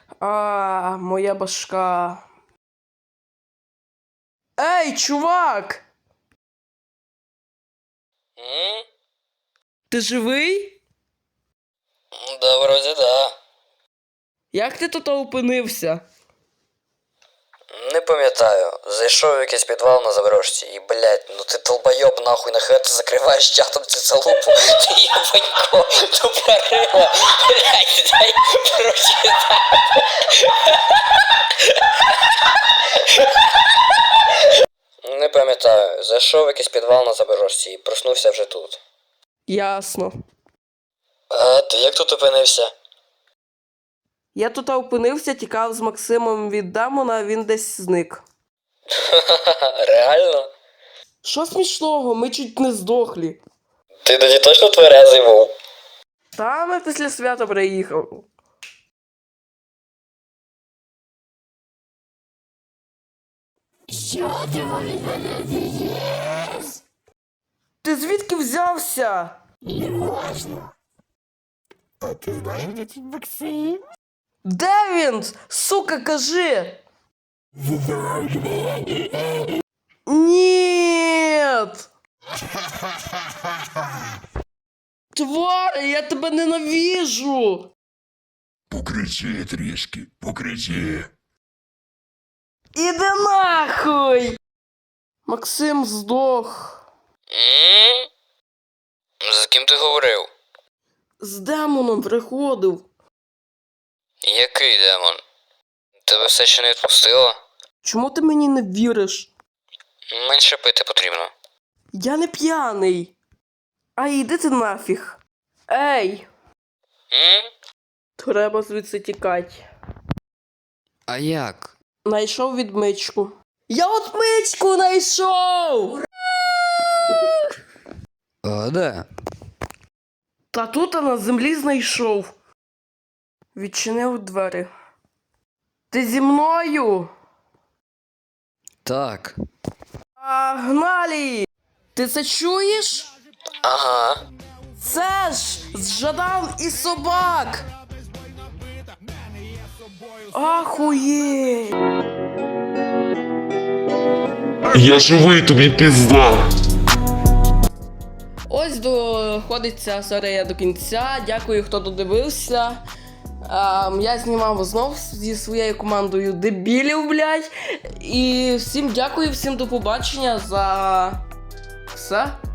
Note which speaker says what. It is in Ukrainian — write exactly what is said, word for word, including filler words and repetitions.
Speaker 1: А, моя башка. Ей, чувак!
Speaker 2: М?
Speaker 1: Ти живий?
Speaker 2: Да, вроде да.
Speaker 1: Як ти тут опинився?
Speaker 2: Не пам'ятаю. Зайшов в якийсь підвал на заброшці і, блядь, ну ти долбойоб нахуй, нахуй ти закриваєш чатом цю залупу. Ти єбанько, тупорила. Блядь, дай прочитати. Не пам'ятаю. Зайшов в якийсь підвал на заброшці і проснувся вже тут.
Speaker 1: Ясно.
Speaker 2: А ти як тут опинився?
Speaker 1: Я тут опинився, тікав з Максимом від демона, а він десь зник.
Speaker 2: Реально?
Speaker 1: Що смішного? Ми чуть не здохлі.
Speaker 2: Ти тоді точно тверезий був?
Speaker 1: Та ми після свята приїхав.
Speaker 3: Що ти від мене вієш?
Speaker 1: Ти звідки взявся?
Speaker 3: Не можна. А ти знаєш, де тут Максим?
Speaker 1: Де він? Сука, кажи! Нет! Тварь, я тебе ненавижу!
Speaker 3: Покричи трішки, покричи.
Speaker 1: Іди нахуй! Максим здох.
Speaker 2: М? З ким ти говорив?
Speaker 1: З демоном приходив.
Speaker 2: Який демон? Тебе все ще не відпустило?
Speaker 1: Чому ти мені не віриш?
Speaker 2: Менше пити потрібно.
Speaker 1: Я не п'яний. А йди ти нафіг. Ей,
Speaker 2: М?
Speaker 1: треба звідси тікати.
Speaker 2: А як?
Speaker 1: Найшов відмичку. Я от мичку знайшов!
Speaker 2: А, де?
Speaker 1: Та тут я на землі знайшов. Відчинив двері. Ти зі мною?
Speaker 2: Так.
Speaker 1: Погнали! Ти це чуєш?
Speaker 2: Ага.
Speaker 1: Це ж з Жадан і собак! Ахуєть!
Speaker 4: Я живий, тобі пізда.
Speaker 1: Ось доходить ця серія до кінця. Дякую, хто додивився. Ем, я знімав знов зі своєю командою дебілів, блядь. І всім дякую, всім до побачення за все.